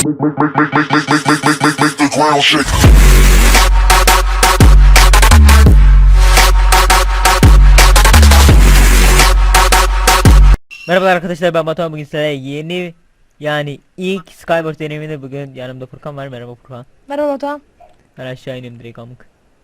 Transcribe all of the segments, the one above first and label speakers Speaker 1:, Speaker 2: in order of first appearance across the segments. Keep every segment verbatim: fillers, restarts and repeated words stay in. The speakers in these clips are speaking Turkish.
Speaker 1: Merhabalar arkadaşlar, ben Batuhan. Bugün size yeni, yani ilk Skywars deneyiminde bugün yanımda Furkan var. Merhaba Furkan.
Speaker 2: Merhaba Batuhan.
Speaker 1: Ben aşağı ineyim direkt amık.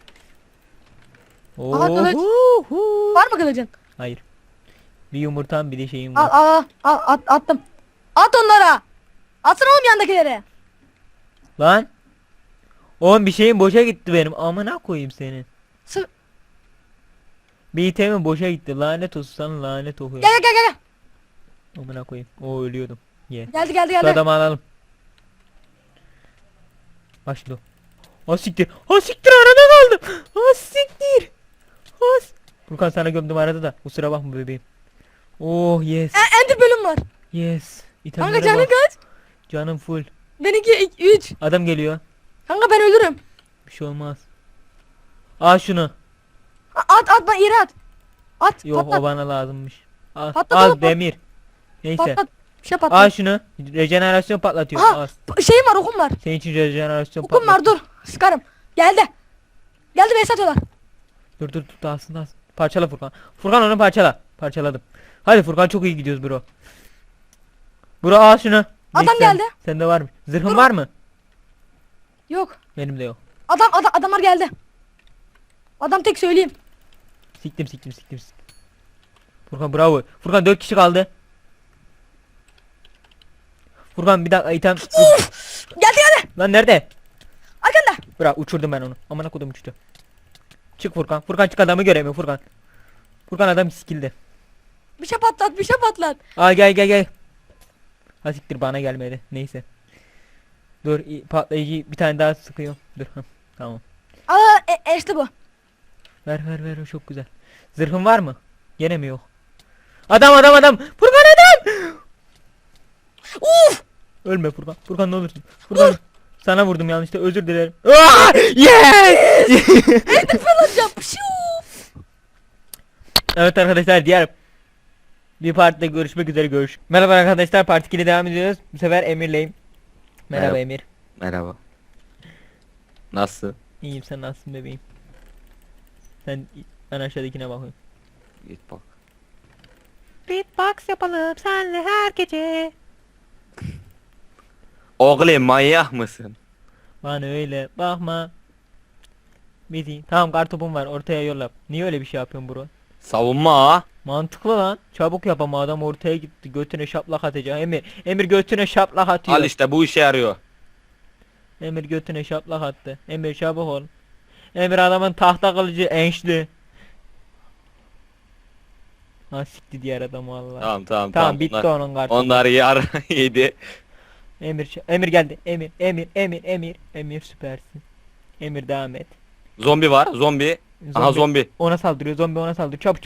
Speaker 2: Aha, kılıç.
Speaker 1: Oho.
Speaker 2: Var mı kılıcın?
Speaker 1: Hayır. Bir yumurtam, bir de şeyim
Speaker 2: Al
Speaker 1: var.
Speaker 2: al al at, attım. At onlara. Atsana oğlum yandakileri.
Speaker 1: Lan. Oğlum bir şeyim boşa gitti benim. Amına koyayım senin.
Speaker 2: Sı
Speaker 1: Bir itemim boşa gitti. Lanet olsun sana, lanet okuyor.
Speaker 2: gel gel gel gel.
Speaker 1: Amına koyayım. O ölüyordum. Ye.
Speaker 2: Geldi geldi
Speaker 1: Şu
Speaker 2: geldi.
Speaker 1: adamı alalım. Başla. Ha siktir. Ha siktir, arada kaldım. Ha siktir. Ha s- Furkan sana gömdüm arada da. Kusura bakma bebeğim. Oh yes.
Speaker 2: E, ender bölüm var.
Speaker 1: Yes.
Speaker 2: Kanka
Speaker 1: İtemlere
Speaker 2: canın
Speaker 1: bak.
Speaker 2: kaç?
Speaker 1: Canım full.
Speaker 2: Benimki üç.
Speaker 1: Adam geliyor.
Speaker 2: Kanka ben ölürüm.
Speaker 1: Bir şey olmaz. Al şunu.
Speaker 2: A- At at bana yere at. At
Speaker 1: Yok,
Speaker 2: patlat.
Speaker 1: o bana lazımmış. Al,
Speaker 2: Patlat
Speaker 1: al
Speaker 2: oğlum, pat-
Speaker 1: demir. Neyse.
Speaker 2: Patlat. Bir şey
Speaker 1: Al
Speaker 2: patlat.
Speaker 1: şunu. Rejenerasyon patlatıyor.
Speaker 2: Aha
Speaker 1: Al.
Speaker 2: p- şeyim var okum var.
Speaker 1: Senin için rejenerasyon
Speaker 2: Okum var
Speaker 1: patlatıyor.
Speaker 2: dur. Sıkarım. Geldi. Geldi beni satıyorlar.
Speaker 1: Dur dur dur, dağılsın dağılsın. Parçala Furkan. Furkan onu parçala. Parçaladım. Hadi Furkan, çok iyi gidiyoruz bro. Bro al şunu.
Speaker 2: Adam
Speaker 1: Neyse,
Speaker 2: geldi.
Speaker 1: Sende var mı? Zırhın
Speaker 2: Dur.
Speaker 1: var mı?
Speaker 2: Yok.
Speaker 1: Benim de yok.
Speaker 2: Adam adam adamlar geldi. Adam tek söyleyeyim.
Speaker 1: Siktim siktim siktim siktim. Furkan bravo. Furkan dört kişi kaldı. Furkan bir dakika item.
Speaker 2: Geldi geldi.
Speaker 1: Lan nerede?
Speaker 2: Arkanda.
Speaker 1: Bırak, uçurdum ben onu. Amına kodum uçtu. Çık Furkan. Furkan çık, adamı göremiyor Furkan. Furkan adam skill'de.
Speaker 2: Bir şey patlat bir şey patlat.
Speaker 1: Aa gel gel gel. Ha siktir, bana gelmedi. Neyse. Dur, i- patlayıcı bir tane daha sıkıyor. Dur. Hah, tamam.
Speaker 2: Aa e, e, işte bu.
Speaker 1: Ver ver ver, o çok güzel. Zırhın var mı? Gene mi yok? Adam adam adam. Furkan adam.
Speaker 2: Uf.
Speaker 1: Ölme Furkan. Furkan ne olursun. Furkan. Sana vurdum yanlışlıkla, özür dilerim. Aa! Yes!
Speaker 2: Ender fırlatacağım. Pşuu.
Speaker 1: Evet arkadaşlar, diğer bir partide görüşmek üzere, görüş. Merhaba arkadaşlar, part iki'de devam ediyoruz. Bu sefer Emir'leyim. Merhaba,
Speaker 3: Merhaba.
Speaker 1: Emir.
Speaker 3: Merhaba. Nasıl?
Speaker 1: İyiyim, sen nasılsın bebeğim? Sen, ben aşağıdakine bakıyorum.
Speaker 3: Git bak.
Speaker 1: Beatbox yapalım senle her gece.
Speaker 3: Oğlum manyak mısın?
Speaker 1: Bana öyle bakma. Bizi. Tamam, kartopum var, ortaya yolla. Niye öyle bir şey yapıyorsun bro?
Speaker 3: Savunma ha.
Speaker 1: Mantıklı lan. Çabuk yap ama, adam ortaya gitti. Götüne şaplak atacak. Emir. Emir götüne şaplak atıyor.
Speaker 3: Al işte bu işe yarıyor.
Speaker 1: Emir götüne şaplak attı. Emir çabuk ol. Emir adamın tahta kılıcı enşli. Ha sikti diğer adam vallahi.
Speaker 3: Tamam tamam
Speaker 1: Tamam,
Speaker 3: tamam.
Speaker 1: bitti
Speaker 3: Onlar,
Speaker 1: onun kartı.
Speaker 3: onlar yar yedi.
Speaker 1: Emir ç- Emir geldi. Emir Emir Emir Emir Emir süpersin. Emir devam et.
Speaker 3: Zombi var zombi. Aha zombi.
Speaker 1: Ona saldırıyor. Zombi ona saldırıyor. Çabuk.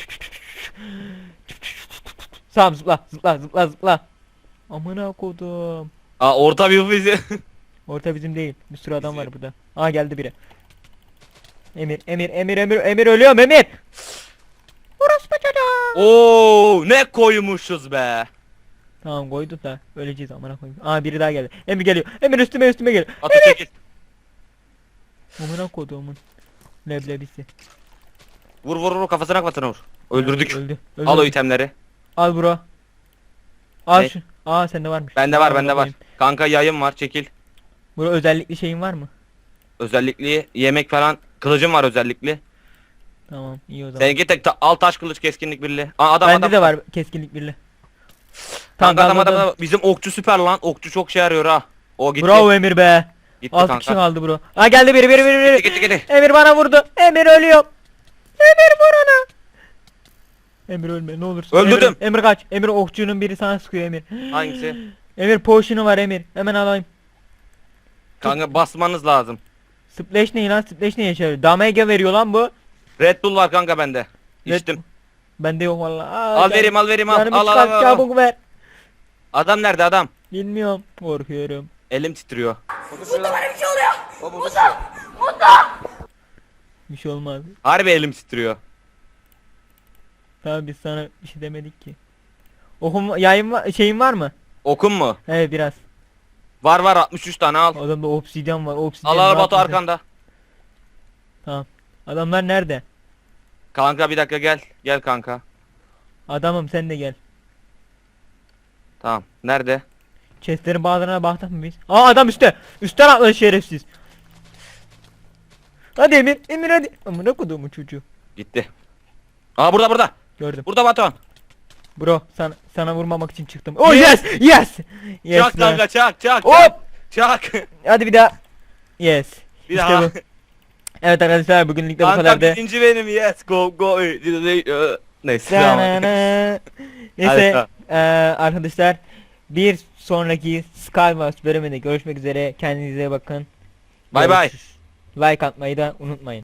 Speaker 1: Tamam, zıpla zıpla zıpla zıpla. Amına kodum.
Speaker 3: Aa orta bir bizi.
Speaker 1: Orta bizim değil. Bir sürü adam
Speaker 3: Bizim.
Speaker 1: var burada. Aa geldi biri. Emir Emir Emir Emir Emir ölüyorum Emir. Orospu çocuğu.
Speaker 3: Oo ne koymuşuz be.
Speaker 1: Tamam, koyduk da öleceğiz amına koyayım. Aa biri daha geldi. Emir geliyor. Emir üstüme üstüme geliyor.
Speaker 3: Atı çekil.
Speaker 1: Amına koduğumun leblebisi.
Speaker 3: Vur vur vur kafasına kafasına vur. Öldürdük.
Speaker 1: Öldü. Öldü.
Speaker 3: Al o itemleri.
Speaker 1: Al bro. Al
Speaker 3: Ne?
Speaker 1: şu. Aa sende varmış.
Speaker 3: Bende var
Speaker 1: Al
Speaker 3: bende var.
Speaker 1: bakayım.
Speaker 3: Kanka yayım var çekil.
Speaker 1: Bro özellikli şeyin var mı?
Speaker 3: Özellikli yemek falan. Kılıcım var özellikli.
Speaker 1: Tamam, iyi o zaman.
Speaker 3: Seninki tek ta al taş kılıç keskinlik birliği. Aa adam
Speaker 1: Bende
Speaker 3: adam.
Speaker 1: de var keskinlik birli.
Speaker 3: Kanka adam
Speaker 1: tamam,
Speaker 3: adam, adam. Bizim okçu süper lan. Okçu çok şey yarıyor ha. O gitti.
Speaker 1: Bravo Emir be.
Speaker 3: Gitti
Speaker 1: altı
Speaker 3: kanka.
Speaker 1: kişi kaldı bro. Aa geldi biri biri biri biri.
Speaker 3: Gitti gitti gitti.
Speaker 1: Emir bana vurdu. Emir ölüyor. Emir vur onu. Emir ölme ne olursun.
Speaker 3: Öldürdüm.
Speaker 1: Emir, Emir kaç. Emir okçunun biri sana sıkıyor Emir.
Speaker 3: Hangisi?
Speaker 1: Emir potion'u var Emir. Hemen alayım.
Speaker 3: Kanka basmanız lazım.
Speaker 1: Splash ne lan? Splash ne yaşıyor? Damage veriyor lan bu.
Speaker 3: Red Bull var kanka bende.
Speaker 1: Red-
Speaker 3: İçtim.
Speaker 1: Bende yok vallahi. Aa,
Speaker 3: Al
Speaker 1: can-
Speaker 3: vereyim al vereyim al.
Speaker 1: Canımı
Speaker 3: Al al
Speaker 1: çıkart,
Speaker 3: al, al.
Speaker 1: çabuk ver.
Speaker 3: Adam nerede adam?
Speaker 1: Bilmiyorum. Korkuyorum.
Speaker 3: Elim titriyor.
Speaker 1: Bir şey olmaz.
Speaker 3: Harbi elim titriyor.
Speaker 1: Tamam, biz sana bir şey demedik ki. Okum yayın var, şeyin var mı?
Speaker 3: Okun mu?
Speaker 1: Evet biraz.
Speaker 3: Var var altmış üç tane al.
Speaker 1: Adamda obsidyen var. Obsidyen
Speaker 3: Al al
Speaker 1: ne
Speaker 3: Batu
Speaker 1: yapıyorsun?
Speaker 3: arkanda.
Speaker 1: Tamam. Adamlar nerede?
Speaker 3: Kanka bir dakika gel. Gel kanka.
Speaker 1: Adamım sen de gel.
Speaker 3: Tamam. Nerede?
Speaker 1: Chestlerin bazılarına baktık mı biz? Aa adam üstte. Üstten atladı şerefsiz. Hadi Emir. Emir hadi. Amına koduğumun çocuğu.
Speaker 3: Gitti. Aa burada burada.
Speaker 1: Gördüm.
Speaker 3: Burada Batuhan.
Speaker 1: Bro sana, sana vurmamak için çıktım. Oh yes. Yes. Yes.
Speaker 3: Çak
Speaker 1: be.
Speaker 3: kanka çak çak.
Speaker 1: Hop.
Speaker 3: Çak.
Speaker 1: Hadi bir daha. Yes.
Speaker 3: Bir
Speaker 1: İşte
Speaker 3: daha.
Speaker 1: bu. Evet arkadaşlar bugünlük de bu
Speaker 3: Kanka
Speaker 1: kadardı.
Speaker 3: birinci benim yes go go. Neyse. devam et.
Speaker 1: Da-na-na.
Speaker 3: Hadi
Speaker 1: Neyse
Speaker 3: tamam.
Speaker 1: eee, arkadaşlar bir sonraki Skywars bölümünde görüşmek üzere. Kendinize bakın.
Speaker 3: Bay bay.
Speaker 1: Görüşürüz. Like atmayı da unutmayın.